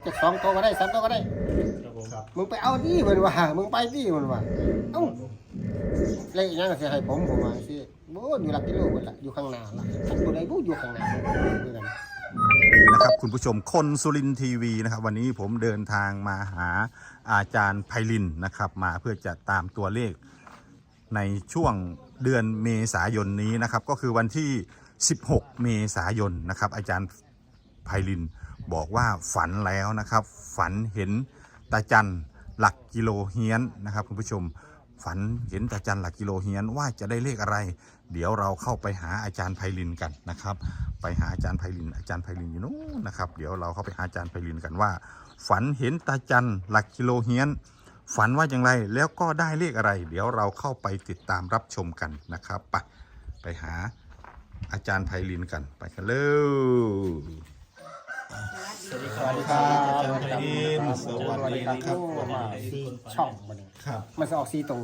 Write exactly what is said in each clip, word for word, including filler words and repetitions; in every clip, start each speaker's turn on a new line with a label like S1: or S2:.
S1: จะสองตัวก็ได้สามตัวก็ได้
S2: ครับผมครับ
S1: มึงไปเอาที่มันว่ามึงไปที่มันว่าเอ้าเลขยังก็สิให้ผมผมว่าสิโอ้อยู่หลักกิโลเบิดล่ะอยู่ข้างหน้าล่ะตัวใดบ่อยู่ข้างหน้าเหมือนกัน
S3: นะครับคุณผู้ชมคนสุรินทร์ทีวีนะครับวันนี้ผมเดินทางมาหาอาจารย์ไพลินนะครับมาเพื่อจะตามตัวเลขในช่วงเดือนเมษายนนี้นะครับก็คือวันที่สิบหกเมษายนนะครับอาจารย์ไพลินบอกว่าฝันแล้วนะครับฝันเห็นตาจันหลักกิโลเฮียนนะครับคุณผู้ชมฝันเห็นตาจันหลักกิโลเฮียนว่าจะได้เลขอะไรเดี๋ยวเราเข้าไปหาอาจารย์ไพลินกันนะครับไปหาอาจารย์ไพลินอาจารย์ไพลินอยู่นู้นนะครับเดี๋ยวเราเข้าไปหาอาจารย์ไพลินกันว่าฝันเห็นตาจันหลักกิโลเฮียนฝันว่าอย่างไรแล้วก็ได้เลขอะไร เดี๋ยวเราเข้าไปติดตามรับชมกันนะครับไปไปหาอาจารย์ไพลินกันไปกันเลย
S2: สวัสดี
S1: ส
S2: ครั
S1: วั
S2: บ
S1: สดีครับ
S3: อาจารย์ไพลินสวัสดีครับ
S1: ว่าสี่ช่องมัน
S3: ครับ
S1: มันจะออกสี่ตัว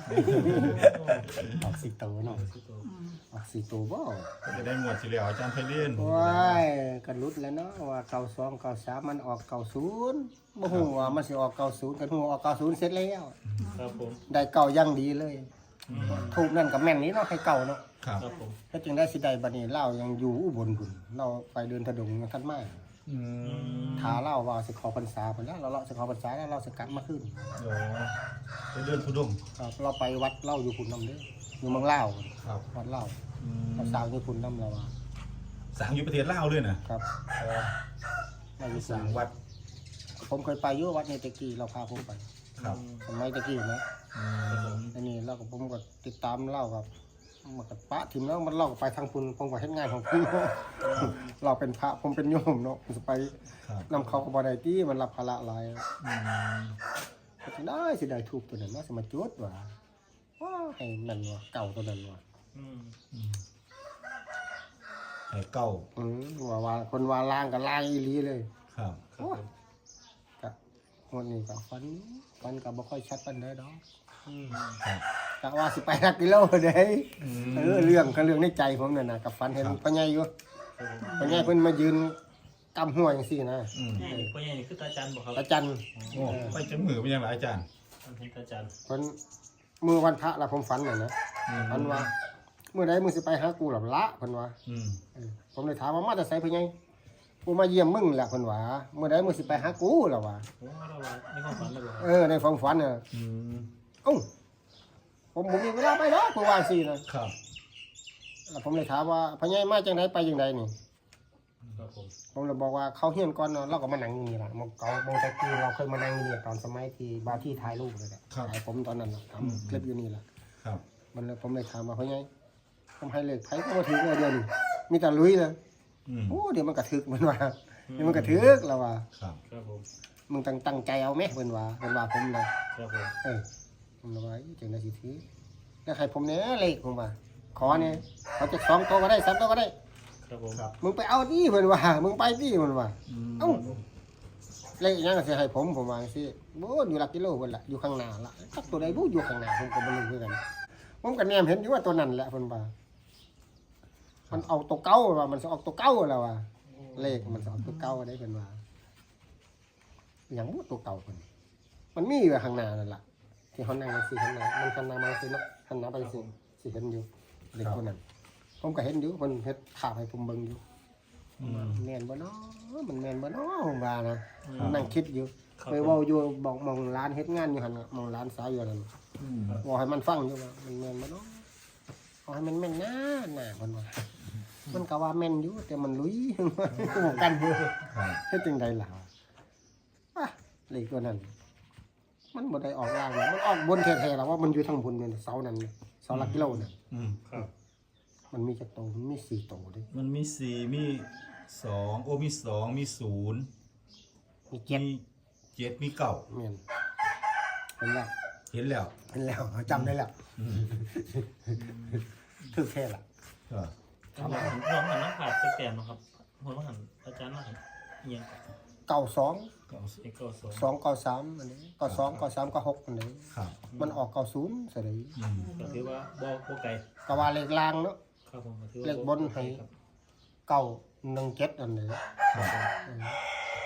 S1: ออกสี่ตัวเนาะออกสี่ตัวบ่
S3: จะได้หมวดที่เหลืออาจารย์ไพลิน
S1: ว้ายกันรุดแล้วเนาะว่าเก้าสองเก้าสามมันออกเก้าศูนย์บ่ฮู้ว่ามันสิออกเก้าศูนย์กันฮู้ออกเก้าศูนย์เสร็จแล้ว
S2: ครับผม
S1: ได้เก่ายังดีเลยถูกนั่นกับแม่นนี้เนาะให้เก่าเนาะ
S3: ครับ
S2: ครับผม
S1: ถ้าจึงได้สิได้บัดนี้เล่ายังอยู่อุบลพุ่นเราไปเดินถดงยังทันมา
S3: อืม
S1: ท้าเล่าว่าสิขอพรรษาพุ่นแล้วเราเลาะสิขอพรรษาแล้วเราสิกลับมาขึ้น
S3: โอ้ไปเดินทุดงค์
S1: ครับเราไปวัดเล่าอยู่พุ่นนำเด้ออยู่เมืองลาว
S3: ครับ
S1: วัดเล่า
S3: อืม
S1: เราสร้างอยู่พุ่นนำเราว่า
S3: สั่งอยู่ประเทศลาวเลยนะครับ
S1: เราอยู่
S3: สั่งวัด
S1: ผมเคยไปอยู่วัดในตะกี้เราพาผมไป
S3: ครับ
S1: สมัยตะกี้นะ
S3: อืม
S1: อันนี้เราก็ผมก็ติดตามเล่ากับมันก็ปะถิ่มแล้วมันเล่าไปทางพุ่นผมก็เฮ็ดงานของพุ่นเราเป็นพระผมเป็นโยมเนาะจะไป
S3: ครับ
S1: นำเขาก็บ่ได้ที่มันรับภาระหลาย
S3: อืม
S1: ก็สิได้สิได้ถูกตัวนั้นมาสิมาจุดว่าว้าให้นั่นว่าเก่าตัวนั้นว่า
S2: อืม
S3: อืมไอ้เก้า
S1: อืมว่าว่าคนว่าล้างก็ล้างอีหลีเลย
S3: ครับ
S2: ครับผม
S1: ก็งวดนี้ก็ฟันฟันก็บ่ค่อยชัดปานใดดอก
S2: อืม
S3: ครับ
S1: กะว่าสิไปรักกิโลเด้
S3: อืม
S1: เออเรื่องก็เรื่องในใจผมนั่นน่ะกับฟันเห็นพ่อใหญ่อยู่
S2: ครับผม
S1: พ่อใหญ่เพิ่นมายืนกำหัวจังซี่นะ
S3: อืม
S2: นี่พ่อใหญ่นี่คือตาจันบอกครับ
S1: ตาจัน
S3: โอ้ไปจังมือเป็นยังไงอาจารย์
S2: มันเป็นตาจัน
S1: เพิ่นมื้อวันพระแล้วผมฝันน่ะนะ
S3: อืม
S1: ฝันว่ามื้อใดมึงสิไปหากูหลับละเพิ่นว่า
S3: อืม
S1: เออผมเลยถามว่ามาแต่ไสเพิ่นไงกูมาเยี่ยมมึงแหละเพิ่นว่าเมื่อใดมึงสิไปหากูล่ะว่า
S2: โอ้เราว่าในความฝันเลยบอก
S1: เออในความฝันน่ะ
S3: อืม
S1: เอ้าผมบ่มีเวลาไปดอกเพิ่นว่าซี่นะครับ แล้วผมเลยถามว่าพ่อใหญ่มาจังไดไปจังไดนี่
S2: ครับผม
S1: ผมเลยบอกว่าเขาเฮียนก่อนเนาะเราก็มานั่งอยู่นี่ล่ะมองเก่ามองตะกี้เราเคยมานั่งอยู่นี่ตอนสมัยที่บาที่ถ่ายรูปเลยแหละถ่ายผมตอนนั้นน่ะทำคลิปอยู่นี่ล่ะ
S3: ครับ
S1: มันเลยผมเลยถามว่าพ่อใหญ่ผมให้เลขไผก็บ่ถึงเลยเดียวนี่มีแต่ลุยเลย
S3: อืม
S1: โอ้เดี๋ยวมันกระทึกมันว่าเดี๋ยวมันกระทึกแล้วว่า
S3: ครับ
S2: ครับผม
S1: มึงตั้งตั้งใจเอาไหมเพิ่นว่าเพิ่นว่าผมนะครับ
S2: ผม
S1: เออผมเลยว่าจังได๋สิถือแล้วให้ผมเนี่ยเลขผมว่าขอเนี่ยเขาจะสองตัวก็ได้สามตัวก็ได้
S2: ครับผม
S3: ครับ
S1: มึงไปเอาที่เพิ่นว่ามึงไปที่เพิ่นว่า
S3: อืม
S1: เอ้าเลขยังก็สิให้ผมผมว่าจังซี่บ่อยู่หลักกิโลเพิ่นล่ะอยู่ข้างหน้าล่ะจักตัวใดบ่อยู่ข้างหน้าผมก็บ่รู้คือกันผมก็แนมเห็นอยู่ว่าตัวนั้นแหละเพิ่นว่ามันเอาตัวเก่าว่ามันสิออกตัวเก่าแล้วว่า เลขมันสอนตัวเก่าได้เป็นว่าอย่างว่าตัวเก่าคนมันมีอยู่ข้างหน้านั่นแหละที่เขานั่งสิข้างหน้ามันข้างหน้ามาสิเนาะข้างหน้าไปสิสิเห็นอยู่เด็กคนนั้นผมก็เห็นอยู่มันเฮ็ดภาพให้ผมเบิ่งอยู่
S3: อืม
S1: แม่นบ่เนาะมันแม่นบ่เนาะผมว่านะ
S3: ครับ
S1: นั่งคิดอยู่ไปเว้าอยู่บอกมองร้านเฮ็ดงานอยู่หั่นน่ะมองร้านสาวอยู่นั่น
S3: อืม
S1: บอกให้มันฟังอยู่ว่ามันแม่นบ่เนาะเอาให้มันแม่นนะน่ะเพิ่นว่ามันก็ว่าแม่นอยู่แต่มันลุย กูกันอยู่
S3: ครับ
S1: เฮ็ดจังไดล่ะอ่ะเลขตัวนั้น มันบ่ได้ออกล่างนะมันออกบนแท้ๆแล้วว่ามันอยู่ทางบนเนี่ยเสานั้นเนี่ยเสาหลักกิโลน่ะ
S3: อืม
S2: ครับ
S1: มันมีจักโตวมันมีสี่โตวเด้
S3: มันมีสี่มีสองโอ้มีสองมีศูนย์
S1: มีเจ็ด
S3: มีเจ็ดมีเก้า
S1: แม่นเห็นแล้ว
S3: เห็นแล้ว
S1: เห็นแล้วจำได้แล้วถูกแค่ล่ะ
S3: ก็
S2: น้องหันน้องหันน้ำขาดไปแก่นะครับหัวน้องหันอาจารย์น้องหันเอียง
S1: เก้าสอง
S3: เก้าสิบ
S2: เอกก็สอง
S1: สองเก้าสามอันนี้เก้าสองเก้าสามเก้าหกอันนี้
S3: ครับ
S1: มันออกเก้าศูนย์ซะเลย
S3: อืม
S2: ก็ถือว่าบ่บ่ไกล
S1: ก็ว่าเลขล่างเนาะ
S2: ครับผมก็ถือว่า
S1: เลขบนให้
S2: ครับ
S1: เก้าหนึ่งเจ็ดอันนี้
S3: ครับ
S1: เออ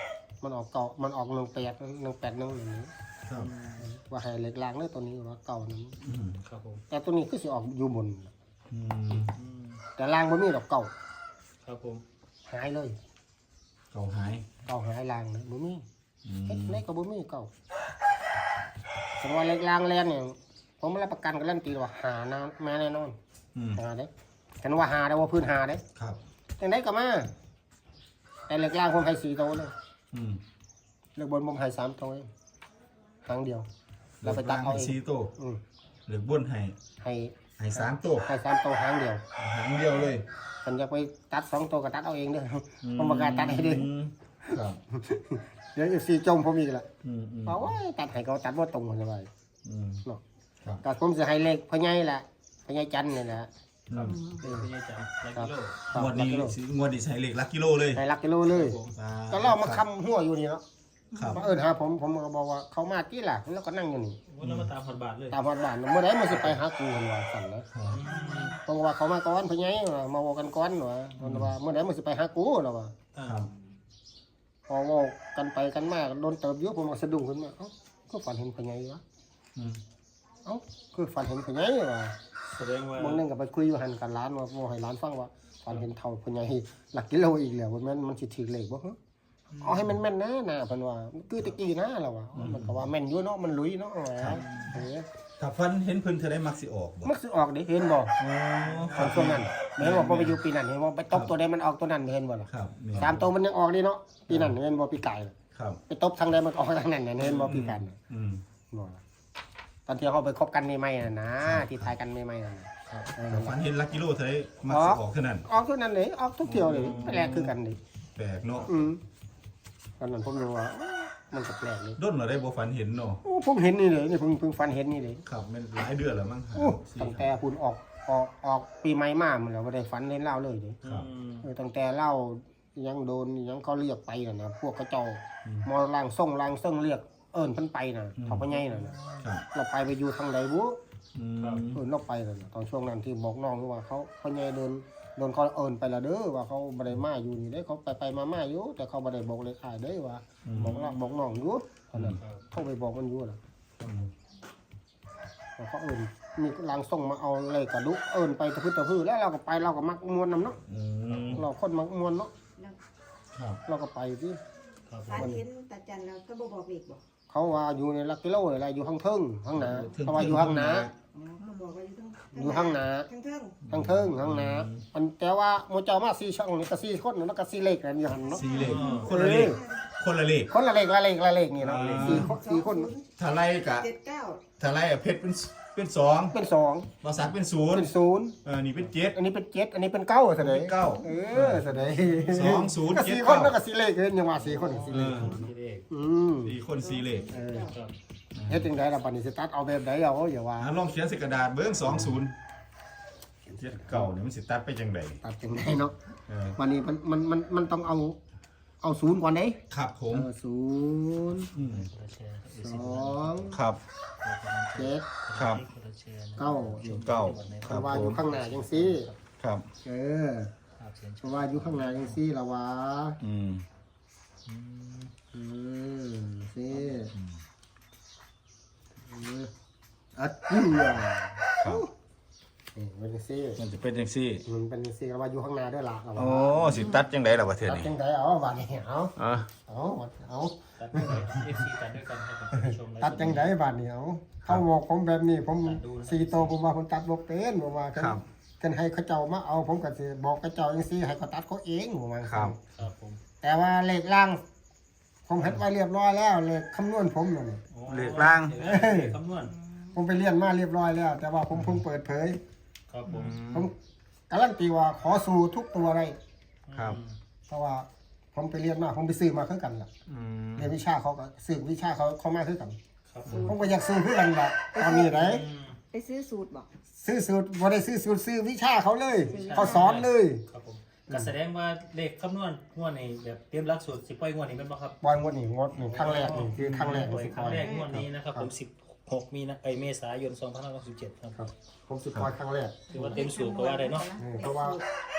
S1: มันออกเก่ามันออกหนึ่งแปดหนึ่งแปดหนึ่งอย่างนี้
S3: ครับ
S1: ว่าให้เหล็กรางเลยตัวนี้ว่าเก่านั้น
S3: อืม
S2: ครับผม
S1: แต่ตัวนี้คือสิออกอยู่บน
S3: อืม
S2: อืม
S1: แต่รางบ่มีดอกเก่า
S2: ครับผม
S1: หายเลย
S3: เก่าหาย
S1: เก่าหายรางเลยบ่มี
S3: อืม
S1: เฮ็ดไหนก็บ่มีเก่าสมมติว่าเหล็กรางแลนเนี่ยผมรับประกันการันตีว่าหานะแม่แน่นอน
S3: อืม
S1: หาเด้กันว่าหาได้ว่าพื้นหาเด้
S3: ครับ
S1: จังไดก็มาแต่เหล็กรางผมให้สี่ตัวเลย
S3: อืม
S1: เหล็กบนผมให้สามตัวเองครั้งเดียวเราไปตัดเอาเอง
S3: ซีโต้
S1: อืม
S3: เหลือบ้วนให้
S1: ให้
S3: ให้สามตัว
S1: ให้สามตัวครั้งเดียว
S3: หางเดียวเลย
S1: ฉันจะไปตัดสองตัวก็ตัดเอาเองเด้อผมประกล้าศตัดให้เด้อ
S3: อืมครับ
S1: เดี๋ยวสี่จมผมอีกละ
S3: อืมอืม
S1: เอาไว้ตัดให้เขาตัดว่าตรงกันไป
S3: อืม
S1: เนาะ
S3: ครับ
S1: ก็ผมจะให้เลขพ่อใหญ่ละพ่อใหญ่จันนี่แหละ
S3: อืม
S2: เป็นพี่อาจารย์ลัก
S1: ครับ
S2: กิโล
S1: ครับ
S3: งวดนี้สิงวดนี้ใช้เหล็กลักกิโลเลย
S1: ให้รักกิโลเลย
S2: ผม
S3: อ่า
S1: ก็เรามาคำหัวอยู่นี่เนาะ
S3: ครับ
S1: มาเอิญหาผมผมก็บอกว่าเขามาที่ล่ะแล้วก็นั่งอยู่นี่
S2: วันนั้นมาตามพันบาทเลย
S1: ตามฮอดบ้านเมื่อไหร่มันสิไปหากูกันว่าสั่นนะเพราะว่าเขามาก่อนพ่อใหญ่ว่ามาเวอกันก่อนว่าเพิ่นว่าเมื่อไหร่มันสิไปหากูแล้วว่า
S3: ครับ
S1: พอเว่ากันไปกันมาโดนเติบเยอะผมก็สะดุ้งขึ้นมาเอ้าก็ฝันเห็นพ่อใหญ่วะ
S3: อืม
S1: เอ้าคือฝันเห็นพ่อใหญ่ว่ะ
S2: แสดงว่า
S1: บางนึงก็ไปคุยอยู่หันกันร้านว่าบ่ให้ร้านฟังว่าฝันเห็นเท่าพ่อใหญ่หลักกิโลอีกแล้วว่าแม่นมันสิถือเลขบ่ฮะเอาให้มันแม่นนะนะเพิ่นว่าคือตะกี้นะแล้วว่ามันก็ว่าแม่นอยู่เนาะมันลุยเนาะว่าเออ
S3: ถ้าฟันเห็นเพิ่นเธอได้มักสิออกบ่
S1: มันสิออกได้เห็นบ่
S3: อ๋อค
S1: ต
S3: รั
S1: อบ นช่วงนั้นแม่นว่าบ่ไปอยู่ปีนั้นเห็นบ่ไปตบตัวใดมันออกตัวนั้นเห็นบ่ล่ะ
S3: ครับนี่
S1: สามตัวมันยังออกนี่เนาะปีนั้นเห็นบ่ปีไก่
S3: ครับ
S1: ไปตบทางใดมันก็ออกทางนั้นน่ะเห็นบ่ปีกัน
S3: อืม
S1: บ่ล่ะตอนที่เขาไปคบกันใหม่ๆน่ะนะที่ทายกันใหม่ๆน่ะนะเออ
S3: ถ้าฟันเห็นลักกิโลเธอได้มักสิออกเท่านั้น
S1: ออกตัวนั้นเลยออกทุกเที่ยวเลยแปลกคือกันดิ
S3: แปลกเนาะ
S1: อืมตอนนั้นผมรู้ว่ามันก็แปลกเลย
S3: ด้นเราได้บ่ฟันเห็นเนาะ
S1: โอ้ผมเห็นนี่เลยนี่เพิ่งเพิ่งฟันเห็นนี่เลย
S3: ครับมันหลายเดือนแล้วมั้งครับ
S1: โอ้ตั้งแต่คุณออกออกออกปีใหม่มามันแล้วบ่ได้ฟันเล่นเหล้าเลยเด้
S3: ครับ
S2: อืม
S1: เออตั้งแต่เหล้ายังโดนยังเขาเรียกไปน่ะนะพวกกระเจ้า
S3: อืม
S1: มอล่างส่งล่างเซิ่งเรียกเอิ้นเพิ่นไปน่ะ
S3: อืม
S1: เขาพ่อใหญ่น่ะนะ
S3: ครับ
S1: เราไปไปอยู่ทางใดบุ
S3: อืม
S1: เอิ้นเราไปน่ะนะตอนช่วงนั้นที่บอกน้องว่าเขาพ่อใหญ่โดนโดนเขาเอิ้นไปและเด้อว่าเขาบ่ได้มาอยู่นี่เด้เขาไปไปมามาอยู่แต่เขาบ่ได้บอกเลยอ้ายเด้อว่าบอกน้องบอกน้องอยู่ตอนนั้น
S2: ครับ
S1: โทรไปบอกมันอยู่น่ะ
S3: อืม
S1: ว่าเขาเอิ้นมีล่างส่งมาเอาเลยกระดุกเอิ้นไปตะพื้นตะพื้นแล้วเราก็ไปเราก็มักมวนนํเนาะ
S3: อืม
S1: เราคนมักมวนเนาะ
S3: ครับ
S1: เราก็ไปที่
S2: ครับผ
S4: ฝัน
S2: ม
S4: เห็นตาจันแล้วก็บ่บอกอีกบอก
S1: เขาว่าอยู่ในหลักกิโลอะไรอยู่ข้างเทิงข้างหนาเขาว่าอยู่ข้างหนา
S4: อ๋อเขาบอกว่าอยู่ทั้ง
S1: อยู่ข้างหนา
S4: ทั้งเทิง
S1: ข้างเทิงข้างหนามันแต่ว่าโมเจ้ามาสี่ช่องนี่ก็สี่คนแล้วก็สี่เลขกันอยู่หันเนาะ
S3: สีเหล็กคนละเลขคนละเลข
S1: คนละเลขละเลขละเลขนี่เนาะสี่คนสี่คน
S3: ถ้าไล่กะ
S4: เจ็ดเก้า
S3: ถ้าไล่อะเพชรเป็นเป็นสอง
S1: เป็นสอง
S3: ภาษาเป็นศูนย์
S1: เป็นศูนย์
S3: เออนี่เป็นเจ็ด
S1: อันนี้เป็นเจ็ดอันนี้เป็นเก้าเสด
S3: เป็นเก้า
S1: เออเสด
S3: สองศูนย์
S1: ก็
S3: เจ็ด
S1: สี่คน
S3: เก้า
S1: แล้วก็สี่เลขเองยังว่าสี่คนสี่
S3: เอ
S1: เลข
S3: อ
S2: ที่เลข
S1: อืม
S3: สี่คนสี่เลข
S1: เออ
S2: ครับ
S1: เฮ็ดจังไดล่ะบัดนี้สิตัดเอาแบบใดเอาอย่าว่า
S3: อ่ะลองเขียนใส่กระดาษเบิ้งสองศูนย์เจ็ดเก่าเนี่ยมันสิตัดไปจังได
S1: ตัดจังไดเนาะ
S3: เออ
S1: วันนี้มันมันมันมันต้องเอาเอาศูนย์ก่อนเด้
S3: ครับผ
S1: เอ
S3: ม
S1: อศูนย์
S3: อืม
S2: คนละแชร์ครับ
S1: สอง
S3: ครับ
S1: เจ็ด
S3: ครับ
S2: คนละแชร์นะ
S1: เก้า
S3: เก้า
S1: เพ
S3: ครับ
S1: ราะว่า
S3: ผ
S1: อยู่
S3: ม
S1: ข้างหน้าจังซี่
S3: ครับ
S1: เออ
S2: ภาพเสียง
S1: เพราะว่าอยู่ข้างหน้าจังซี่ละวะ
S3: อืม
S2: อืม
S1: อืมซี่อืมอัดเจือ
S3: ครับ
S1: นี่เป็นจังซี่
S3: มันจะเป็นจังซี่
S1: มันเป็นจังซี่ละว่าอยู่ข้างหน้าด้วยล่ะละวะ
S3: โอ้สิตัดจังไดล่ะประเทศ
S1: ตัด
S3: นี้
S1: จังไดเอาบัดนี้เอา
S3: อ่ะ
S1: เอาเอา
S2: ตัดด้วยกันเอฟซีตัดด้วยกันให้กับผู้ชมและ
S1: ตัดจังไดบัดนี้เอาเขาบอกผมแบบนี้ผมสี่โตวผมว่าผมตัดบ่เป็นผมว่ากัน
S3: ครับ
S1: กันให้เขาเจ้ามาเอาผมก็สิบอกเขาเจ้าจังซี่ให้เขาตัดเขาเองผมว่า
S3: ครับ
S2: ครับผม
S1: แต่ว่าเลขล่าง ผมเฮ็ดไว้เรียบร้อยแล้วเลขคำนวณผมนั่น
S2: โอ้
S3: เลขล่าง
S2: เลขคำนวณ
S1: ผมไปเรียนมาเรียบร้อยแล้ว แต่ว่าผมเพิ่งเปิดเผย
S2: ครับผม
S1: ผมการันตีว่าขอสู่ทุกตัวได้
S3: ครับ
S1: เพราะว่าผมไปเรียนมาผมไปซื้อมาคือกันล่ะ
S3: อืม
S1: เรียนวิชาเขาก็ซื้อวิชาเขาเขามาคือกัน
S2: ครับผม
S1: ผมก็อยากซื้อคือกันล่ะตอนนี้ไหน
S2: อืม
S4: ไปซื้อสูตรบอก
S1: ซื้อสูตรบ่ได้ซื้อสูตรซื้อวิชาเขาเลย เขาสอนเลย
S2: ครับผมก็แสดงว่าเลขคำนวณงวดนี้แบบเตรียมหลักสูตรสิบปล่อยงวดนี้เป็นบ่ครับ
S1: ปล่อยงวดนี้งวดนี่ครั้งแรกนี่คือครั้งแรก
S2: ปล่อย
S1: สิ
S2: ค
S1: ป
S2: รั้
S1: ล่
S2: ง
S1: อย
S2: แรกงวดนี้นะครับผมสิบหกมีนาเอ้ยเมษายนสองพันห้าร้อยสิบเจ็ดครับ
S1: ครับผมสิปล่อยครั้งแรก
S2: ถือว่าเต็มสูตรก็ว่าได้เนาะ
S1: อืมเพราะว่า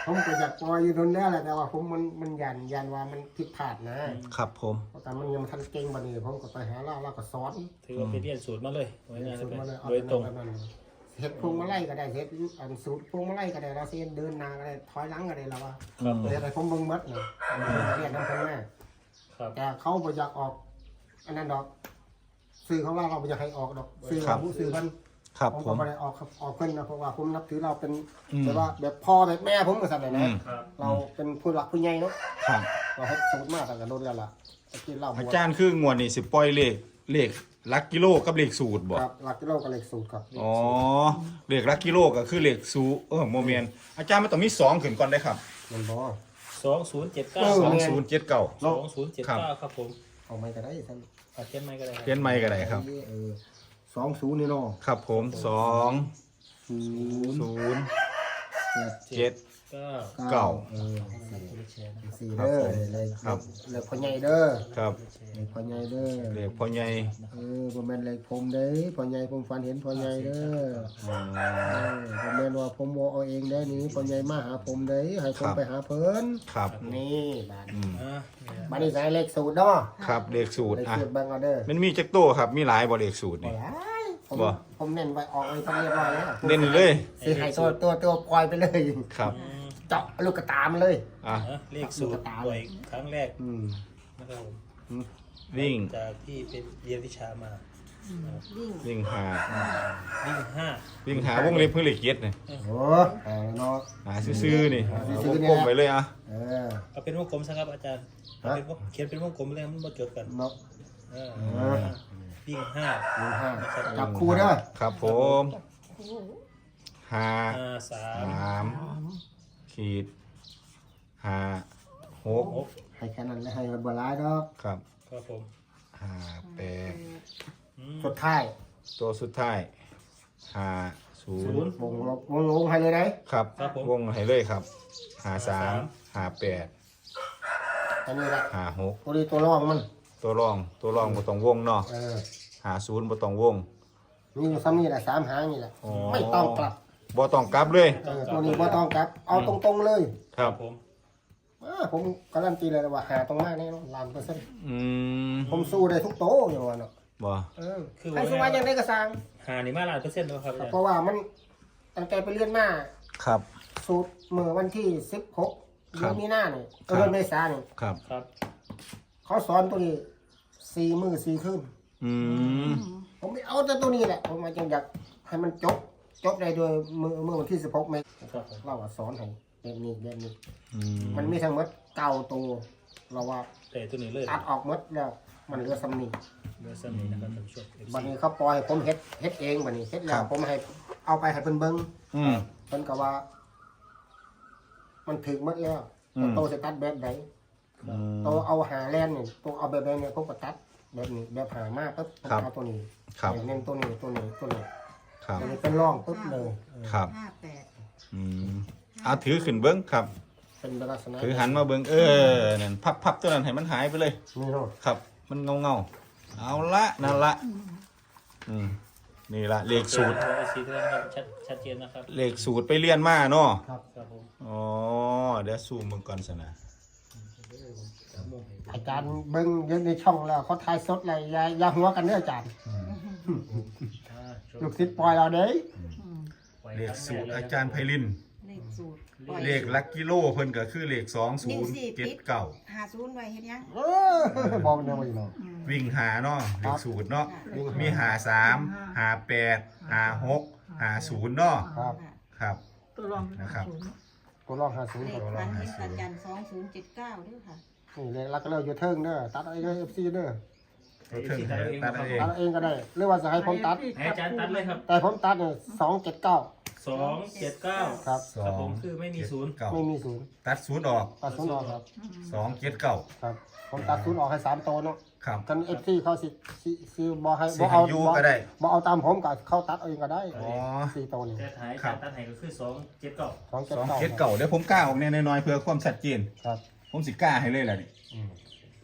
S1: ผมก็อยากปล่อยอยู่ตรงนี้แหละแต่ว่าผมมันมันยันยันว่ามันผิดพลาดนะครับ
S3: ผม
S1: แต่มันยังทันเก่งบัดนี้ผมก็ไปหาเล่าเล่าก็สอน
S2: ถือว่าไปเรียนสูตรมาเลยไว้งาน
S1: สูตรมาเลยเอา
S2: โดยตรง
S1: แต่นั้นเฮ็ดพวงมาลัยก็ได้เฮ็ดอันสูตรพวงมาลัยก็ได้เราเส้นเดินหน้าก็ได้ถอยหลังก็ได้แล้วว่า
S3: อืม
S1: เรียนอะไรผมเบิ่งหมดเลยเรียนนำเพิ่นแม่
S2: ครับ
S1: แต่เขาบ่อยากออกอันนั้นดอกสื่อของเราเราบ่อยากให้ออกดอกสื่อของผู้สื่อเพิ่น
S3: ครับ
S1: ผม
S3: ผ
S1: ก็
S3: ม
S1: ไม่ได้ออกครับออกเพิ่นนะเพราะว่าผมนับถือเราเป็น
S3: อืม
S1: แบบว่าแบบพ่อแบบแม่ผมก็สั่นเลย
S3: อื
S1: นะ
S3: ม
S2: ครับ
S1: เราเป็นผู้หลักผู้ใหญ่เนาะ
S3: ครับ
S1: เราเฮ็ดสูตรมากกันโดนแล้วล่ะตะกี้เราบวช
S3: อาจารย์คืองวดนี่สิปล่อยเลขเลขลักกิโลกับเลขสูตรบ่
S1: ครับหลักกิโลกับเลขสูตรครับ
S3: อ๋อเลขลักกิโลก็คือเลขสูเออโมเมนอาจารย์มันต้องมีสองขึ้นก่อนได้ครับ
S1: มันบ่
S2: สองศูนย์เจ็ดเก้า
S1: เออ
S3: สองศูนย์เจ็ดเก้า
S2: สองศูนย์เจ็ดเก้าครับผม
S1: เอาไม่ก็ได้ท่าน
S2: อาเขียนไม่ก็ได้ครับ
S3: เขียนไม่ก็ได้ครับ
S1: เออสองศูนย์นี่เนาะ
S3: ครับผมสอง
S1: ศูนย์
S3: ศูนย์
S1: เจ็ด
S3: เจ็ด
S2: เก้า
S3: เก้า
S1: เออ
S2: แชร์นะครับ
S1: สี่เด้อเลย
S3: ครับ
S1: เลยพ่อใหญ่เด้อ
S3: ครับ
S1: เลยพ่อใหญ่เด้อ
S3: เลขพ่อใหญ่
S1: เออบ่แม่นเลขผมเด้พ่อใหญ่ผมฝันเห็นพ่อใหญ่เด้อ
S3: อืม
S1: เออผมแม่นว่าผมบ่เอาเองได้นี่พ่อใหญ่มาหาผมได้ให้ผมไปหาเพิ่น
S3: ครับ
S1: นี่บาด
S3: อืม
S2: อ่าเนี่ย
S1: บาดนี้ใส่เลขสูตรเนาะ
S3: ครับเลขสูตร
S1: เลข
S3: อ่ะ
S1: สูตรเบิ่งเอาเด้อ
S3: มันมีจักโตครับมีหลายบ่เลขสูตร
S1: บ่
S3: นี่
S1: หลายผม
S3: บ่
S1: ผมเน้นไว้ออกไว้ทั้งเรียบร้อยแล้ว
S3: เน้นเลย
S1: สิให้ตัวตัวตัวปล่อยไปเลย
S3: ครับ
S2: อืม
S1: เจาะลูกกระตามันเลย
S3: อ่ะ
S2: อ่ะเลขสูตรบ่อยครั้งแรก
S1: อืม
S2: นะครับผม
S3: วิ่ง
S2: จากที่เป็นเรียนวิชามา
S4: วิ่ง
S3: วิ่งหา
S2: วิ่งห้า
S3: วิ่งหาวงเล็บเพื่อเลขเจ็ดนี่
S1: โอ้หาเนาะ
S3: หาซื่อๆนี่
S1: หาซื่
S3: ว
S1: อง ๆ
S3: กลมไปเลยอ่ะ
S1: เออ
S2: เอาเป็นวงกลมซะครับอาจารย์เอาเป็นวงเขียนเป็นวงกลมเลยมันมาจดกัน
S1: เนาะ
S2: เออ
S1: เออ
S2: วิ่งห้า
S1: หนึ่งห้าจับคู่เด้อ
S3: ครับผมหา
S2: ห้าสาม
S3: สามขีดหาหก
S2: หก
S1: ให้แค่นั้นเลยให้มันบ่หลายดอก
S3: ครับ
S2: ครับผม
S3: หาแปด
S2: อืม
S1: สุดท้าย
S3: ตัวสุดท้ายหาศู
S2: ศู
S3: น
S2: นย์
S3: ย์
S1: วงลบวงลงให้เลยได้
S3: ครับ
S2: ครับผม
S3: วงให้เลยครับหาสามหาแปด
S1: อันนี้ละ
S3: หาหก
S1: ตัวนี้ตัวรองมัน
S3: ตัวรองตัวรองบ่ต้องวงเนาะ
S1: เออ
S3: หาศูนย์บ่ต้องวง
S1: มีอยู่ซ้ำนี่แหละสามหางนี่แหละ
S3: อ๋อ
S1: ไม่ต้องกลับ
S3: บ่ต้องกลับเลย
S1: เออตัวนี้บ่ต้องกลับ เอาตรงๆเลย
S3: ครับ
S2: ผม
S1: อ่าผมการันตีเลยว่าหาตรงมากแน่นอนล้านเปอร์เซ็นต์
S3: อืม
S1: ผมสู้ได้ทุกโต๊ะอย่างว่าเนาะ
S3: บ่
S1: เออ
S2: คือ
S1: ใครสู้มาอย่างไรก็สร้าง
S2: หานี่มาล้านเปอร์เซ็นต์แล้วครับอาจารย์
S1: เพราะว่ามันตั้งแต่ไปเรียนมา
S3: ครับ
S1: สูตรเมื่อวันที่สิบหก
S3: ครั
S1: เดือบ นมีนาเนี่ย
S3: ครั
S1: เดือบ นเมษาเนี่ย
S3: ครับ
S2: ครับ
S1: เขาสอนตัวนี้สี่มือสี่คืน
S3: อืม
S1: ผมไม่เอาแต่ตัวนี้แหละ ผมมาจังอยากให้มันจบ จบได้โดยมือเมื่อวันที่สิบหกเมษ
S2: ครับผม
S1: เราอะสอนให้แบบนี้แบบนี้
S3: อืม
S1: มันมีทั้งหมดเก้าตัวเราว่า
S2: แต่ตัวนี้เลย
S1: ตัดออกหมดแล้ว มันเหลือสำนี
S2: เมื่อสักนี้นะครับท่านผู้ชม
S1: บัดนี้เขาปล่อยให้ผมเฮ็ดเฮ็ดเองบัดนี้เฮ็ดแล้วผมให้เอาไปให้เพิ่นเบิ่ง
S3: อืม
S1: เพิ่นก็ว่า มันถึงหมดแล้ว
S3: อืม
S1: โตสิตัดแบบใด
S3: อืม
S1: โตเอาหาแลนนี่โตเอาแบบใดเนี่ยผมก็ตัดแบบนี้แบบหามากปุ๊บผม
S3: ครับ
S1: เอาตัวนี้
S3: ครับ
S1: เน้นตัวนี้ตัวนี้ตัวนี้
S3: ครับ
S1: ตัวนี้เป็นร่องปุ๊บเลย
S3: ครับ
S4: ห้าแปด
S3: อืมเอาถือขึ้นเบิ้งครับ
S1: เป็นลักษณะ
S3: ถือหันมาเบิ้งเออนั่นพับพับตัวนั้นให้มันหายไปเลย
S1: นี่เนาะ
S3: ครับ มันเงาเงาๆเอาละนั่นละอืมนี่ละเลขสูตร
S2: ไอซีเท่านั้นครับชัดชัดเจนนะครับ
S3: เลขสูตรไปเรียนมาเนาะ
S1: ครับ
S2: ครับผม
S3: อ๋อเดี๋ยวซูมมึงก่อนสนะ
S1: อาจารย์เบิ่งอยู่ในช่องแล้วเขาถ่ายสดเลยอย่าอย่าหัวกันเด้ออาจารย์
S2: อ่าชม
S1: ลูกศิษย์ปล่อยเราเด้
S2: ไว้
S3: เลข
S2: ครั้ง
S3: สูตร
S2: แกล
S3: อาย
S2: นะ
S3: จารย์ไพลิน
S4: เลขสูตรปล่อย
S3: เลขลักกิโลเพิ่นก็คือเลขสองศูนย์เจ็ดเก้า
S4: หาศูนย์ไว้เฮ็ดยัง
S1: เออบอกแนวนี้เนาะ
S3: วิ่งหาเนาะเลขสูตรเนาะ
S1: วิ่งหา
S3: มีหาสามหาแปดหาหกหาศูนย์เนาะ
S1: ครับ
S3: ครับ
S5: ตัวรอง
S3: นะครับ
S1: ตัวรองห้าศูนย์
S4: เล
S1: ค
S4: ข
S1: รับ
S4: พันเห็นอาจารย์สองศูนย์เจ็ดเก้าด้วยค่ะ
S1: นี่เลขลักก็เลยอยู่เทิงเด้อตัดเอาเองเอฟซีเด้อ
S3: ตัวเทิงให้ตัดเอาเอง
S1: ตัดเอาเองก็ได้หรือว่าจะให้ผมตัด
S2: ให้อาจารย์ตัดเลยครับ
S1: แต่ผมตัดเนี่ยสองเจ็ดเก้า
S2: สองเจ็ดเก้า
S1: ครับ
S3: สอ
S2: ครับผ
S3: ง
S2: มคือไม่มีศูนย์
S3: เก้า
S1: ไม่มีศูนย์
S3: ตัดศูนย์ออก
S1: ตัดศูนย์ออกครับ
S3: สองเจ็ดเก้า
S1: ครับ ผมตัดศูนย์ออกให้สามตัวเนาะ
S3: ครับ
S1: กันเอฟซีเขาสิสิสิบอให้
S3: สิ
S1: บอ
S3: ให้
S1: เอา
S3: อยู่
S1: บ่
S3: ก็ได้
S1: บอเอาตามผมก็เข้าตัดเอาเองก็ได้
S3: อ๋อ
S1: สี่ตัวนี่
S2: แต่ถ่ายอา
S3: ครั
S2: จาร
S3: บ
S2: ย์ตัดให้ก็คือสองเจ็ดเก้า
S1: สองเจ็ด
S3: สอง
S1: เก้า
S3: เจ็ดเก้าเดี๋ยวผมกล้าออกเนี่ยน้อยๆเพื่อความชัดเจน
S1: ครับ
S3: ผมสิกล้าให้เลยแหละนี่
S1: อืม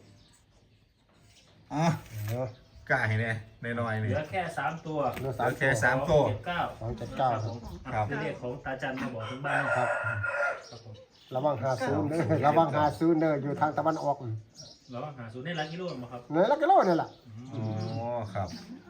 S3: อ๋อ
S1: เออก
S3: ล้าให้เนี่ยน้อยๆ
S2: เห
S3: นี่
S2: ลือแค่สามตัว
S1: เหลือ
S3: เห
S1: สา
S3: ลื
S1: ม
S3: อแค่
S1: ตัว
S3: สามตัว
S2: เจ็ดเก้า
S1: สองเจ็ดเก้า
S2: ครับผม
S3: ครับ
S2: เป็นเลขของตาจันมาบอกถึงบ้าน
S1: ครับ
S2: ครับผม
S1: ระวังหาศูนย์เด้อระวังหาศูนย์เด้ออยู่ทางตะวันออก
S2: แล้วหาศูนย์ในหลักกิโลมั้งครับ
S1: เนื้อลักกิโลนี่แหละ
S3: อ๋อครับ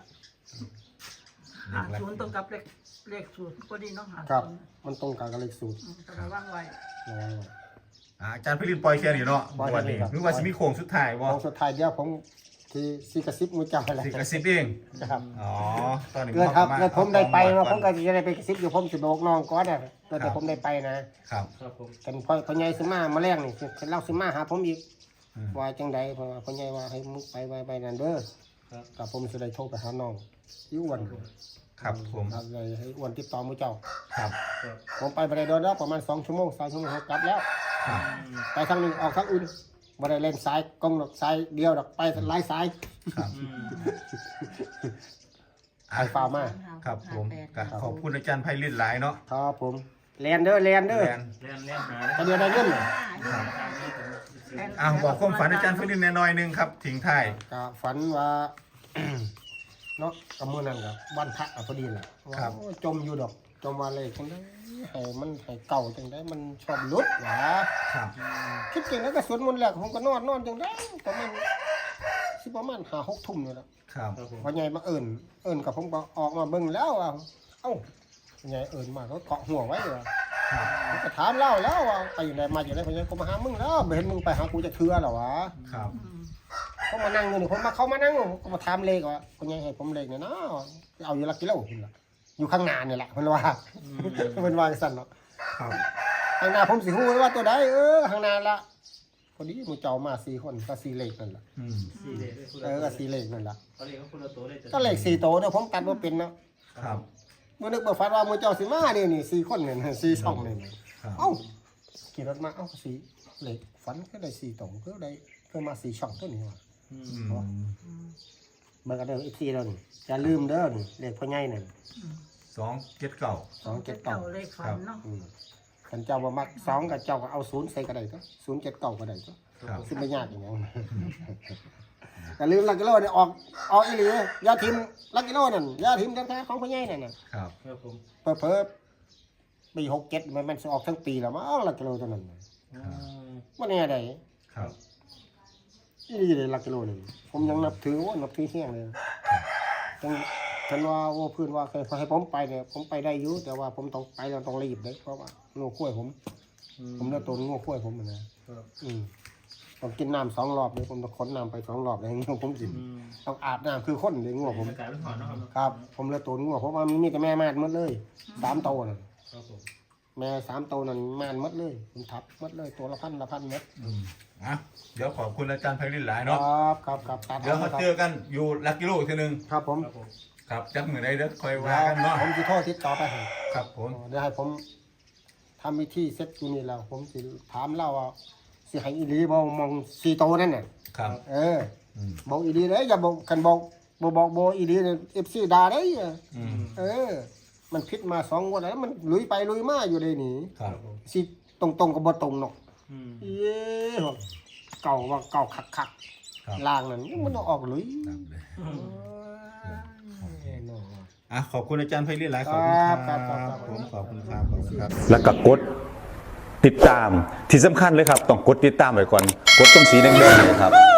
S5: หาศูนย์ตรงกับเลขเลขสูตรพอดีเนาะหา
S1: ครับ
S5: ศูนย์
S1: มันตรงกับเลขสูตร
S5: อืมก็ระวังไว้
S1: ระวังไว้
S3: อ่าอาจารย์ไพลินปล่อยแค่นี้เนาะ
S1: ปล่อยแค่
S3: วัน
S1: นี้
S3: นี้
S1: ครับ
S3: นึกว่าสิมีโค้งสุดท้ายบ่
S1: ของสุดท้ายเดียวผมที่ซีกระซิบมือเจ้าอะไร
S3: สิกระซิบเอง
S1: ครับ
S3: อ๋อตอนนี้
S1: เกิดครับ
S3: า
S1: เกิดผมได้ไป
S3: เอา
S1: เนาะ
S3: ก่
S1: ผ
S3: อน
S1: มก็จะได้ไปกระซิบอยู่ผมสิบอกน้องก่อนน่ะเกิดแต่ผมได้ไปนะครับ
S2: ครับผม
S1: กันพ่อพ่อใหญ่สิมามาแรงนี่สิเล่าสิมาหาผมอีก
S3: อืม
S1: ว่าจังใดเพราะว่าพ่อใหญ่ว่าให้มุกไปไปไปนั่นเด้อ
S2: ครับ
S1: กับผมสิได้โทรไปหาน้องอีอ้วน
S3: ครับผม
S1: ครับเลยให้อ้วนติดต่อมือเจ้า
S3: ครับ
S2: ครับ
S1: ผมไปบ่ได้โดนแล้วประมาณสองชั่วโมงสามชั่วโมงกลับแล้ว
S3: ครับ
S2: อืม
S1: ไปทางหนึงออกทางอื่นบ่ได้เล่นสายกงดอกสายเดียวดอกไปหลายสาย
S3: ครับ
S2: อืม
S1: ไอ้ฟ้ามา
S3: ครับผม
S4: ห้าแปด
S3: ก็ขอบคุณอาจารย์ไพลินหลายเนาะ
S1: ครับผมแลนเด้อแลนเด้อ
S3: แลน
S2: เล่นเล่นหา
S1: ถ้าเดียวได้เงินน่ะ
S3: ครับ
S2: ตามนี้ผมสิ
S3: อ่ะบอกความฝันอาจารย์ไพลินแน่น้อยหนึงครับทิ้งท้าย
S1: ก็ฝันว่า เนาะกับมื้อนั้นก็วันพระอะพอดีแหละว่าโอ้จมอยู่ดอกจมว่าเลขจังได๋ให้มันให้เก่าจังได๋มันชอบหลุดหว่า
S3: ครับ
S1: คิดจริงแล้วก็สวดมนต์แล้วผมก็นอนนอนจังได๋ประมาณสิประมาณห้าหกทุ่มนี่แหละ
S3: ครับ
S2: ครับผม
S1: พ่อใหญ่มาเอิ้นเอิ้นกับผมก็ออกมาเบิ่งแล้วว่าเอ้าพ่อใหญ่เอิ้นมาก็เกาะหัวไว้ว่า
S3: ครับ
S1: ผมก็ถามเล่าแล้วว่าไปอยู่ไหนมาอยู่ไหนพ่อใหญ่ก็มาหามึงแล้วไม่เห็นมึงไปหากูจะเทื่อหรอวะ
S3: ครับ
S5: อืม
S1: เขามานั่งอยู่นี่ผมมาเขามานั่งก็มาถามเลขว่าพ่อใหญ่ให้ผมเลขเนี่ยนะเอาอยู่ละกิโลพุ่นล่ะอยู่ข้างหน้านี่แหละเพิ่นว่า
S2: อืม
S1: เพิ่นว่าจังซั่นเนาะ
S3: ครับ
S1: ข้างหน้าผมสิฮู้ว่าตัวใดเออข้างหน้าละพอดีหมู่เจ้ามาสี่คนก็สี่เลขนั่นล่ะ
S3: อืม
S2: สี่เลขด้วยคุณ
S1: เออก็สี่เลขนั่นล่ะ
S2: เขาเรียกว่าคุณละตัวเลย
S1: ก็เลขสี่โตวเด้อผมตัดบ่เป็นเนาะ
S3: ครับ
S1: บ่นึกบ่ฝันว่าหมู่เจ้าสิมาเด้นี่สี่คนนี่นะสี่ช่องนี่นะครับ เอ้าขี่รถมาเอ้าสี่เลขฝันก็ได้สี่โตวก็ได้ก็มาสี่ช่องตัวนี้ว่ะ
S2: อืม
S3: อืม
S1: เบิ่งกันเด้ออีกทีแล้วนี่อย่าลืมเด้อนี่เลขพ่อใหญ่นั่น
S3: สองเจ็ดเก้า
S1: สองเจ็ด
S5: เก่า
S1: เก้า
S5: เลขฝันเนาะ
S1: อืมคันเจ้าบ่มักสองกับเจ้าก็เอาศูนย์ใส่ก็ได้ก็ศูนย์เจ็ดเก้าก็ได้ก็
S3: ครับ
S1: สิไม่ยากอย่างนั้นแต่ลืมลักกิโลเนี่ยออกออกอีหลียาทิมลักกิโลนั่นยาทิมแท้ๆของพ่อใหญ่นั่นน่ะ
S3: ครับ
S2: ครับผม
S1: เพิ่อๆปีหกเจ็ดมันมันสิออกทั้งปีแล้วมั้งลักกิโลตัวนั้นน่ะ
S2: อืม
S1: บ่แน่ใด
S3: ครับ
S1: อีหลีเลยลักกิโลนี่ผมยังนับถือว่านับถือแห้งเลยจังฉันว่าโอ้พื้นว่าเคยให้ผมไปเนี่ยผมไปได้อยู่แต่ว่าผมต้องไปแล้วต้องรีบเด้เพราะว่างูข้วยผม ผมเลือกตัวงูข้วยผมอะนะครับ อืมผมกินน้ำสองรอบเลยผมต้องค้นน้ำไปสองรอบเลยงูผมกิน
S2: อืม
S1: ต้องอาบน้ำคือคนเลยงูผม
S2: อากาศเป็นหอนเนาะครับเนาะ
S1: ครับ ผมเลือกตัวงูเพราะว่ามันมีแต่แม่ม่านหมดเลยสามตัวน่ะ
S2: ครับผม
S1: แม่สามตัวนั่นม่านหมดเลยผมทับหมดเลยตัวละพันละพันเม็ด
S3: อืมอ่ะเดี๋ยวขอบคุณอาจารย์ไพลินหลาย
S1: ค
S3: เนาะ
S1: รับครับครับตัด
S3: เดี๋ยวมาเจอกันอยู่ลักกิโลทีหนึง
S1: ครับผม
S2: ครับผม
S3: ครับจักมือใดเด้อคอยว่ากันเนาะ
S1: ผมจะโทษทิศต่อไปให้
S3: ครับผม
S1: เดี๋ยวให้ผมทำวิธีเซ็ตอยู่นี่แล้ว ผมสิถามเล่าว่าสิให้อีหลีบอมองสี่ตัวนั่นน่ะ
S3: ครับ
S1: เออ
S3: อืม
S1: บอกอีหลีเลยอย่าบอกกันบอกบอกบอกโบอีหลีเนี่ยเอฟซีด่าได้อะ
S3: อืม
S1: เออ มันพิษมาสองงวันแล้วมันลุยไปลุยมาอยู่เลยนี่
S3: ครับ
S1: สิตรงตรงๆกับบตรงเนาะ
S2: อืม
S1: เย้เก่าว่าเก่าคักคักๆ
S3: ครับ
S1: ล่างนั่นมันเอาออกลุย
S3: ครับเลย
S2: อืม
S1: เอ้ยเนาะ
S3: อ่ะขอบคุณอาจารย์ไพลินหลายขอบคุณค
S1: ครั
S3: รั
S1: บบ ครับครับ
S3: ผมขอบคุณครับขอบคุณครับ
S6: แล้วก็กดติดตามที่สำคัญเลยครับ ต้องกดติดตามไว้ก่อน กดตรงสีแดงๆเนยครับ